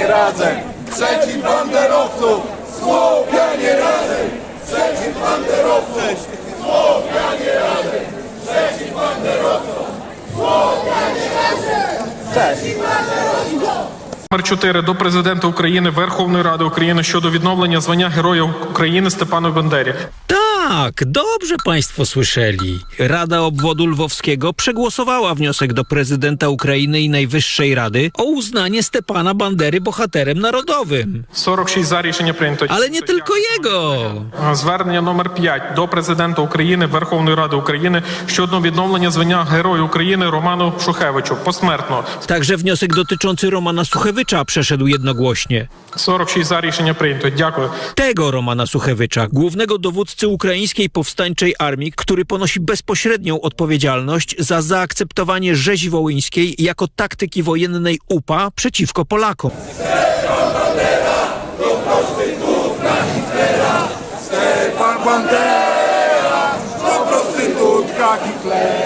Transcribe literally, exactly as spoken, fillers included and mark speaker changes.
Speaker 1: razem! Przeciw banderowcom! Słowianie razem! Przeciw banderowcom! Słowianie razem! Przeciw banderowcom! Słowianie razem! Przeciw banderowcom!
Speaker 2: Номер чотири до президента України, Верховної Ради України щодо відновлення звання Героя України Степану Бандері.
Speaker 3: Tak, dobrze państwo słyszeli. Rada Obwodu Lwowskiego przegłosowała wniosek do prezydenta Ukrainy i Najwyższej Rady o uznanie Stepana Bandery bohaterem narodowym.
Speaker 2: сорок шість за рішення прийнято.
Speaker 3: Ale nie tylko jego.
Speaker 2: Звернення номер п'ять до президента України, Верховної Ради України щодо відновлення звання Героя України Роману Шухевичу посмертно.
Speaker 3: Także wniosek dotyczący Romana Suchewycza przeszedł jednogłośnie.
Speaker 2: сорок шість за рішення прийнято. Дякую.
Speaker 3: Tego Romana Suchewycza, głównego dowódcy ukraińskiej powstańczej armii, który ponosi bezpośrednią odpowiedzialność za zaakceptowanie rzezi wołyńskiej jako taktyki wojennej U P A przeciwko Polakom.
Speaker 1: Stefan Bandera to prostytutka Hitlera! Stefan Bandera to prostytutka Hitlera!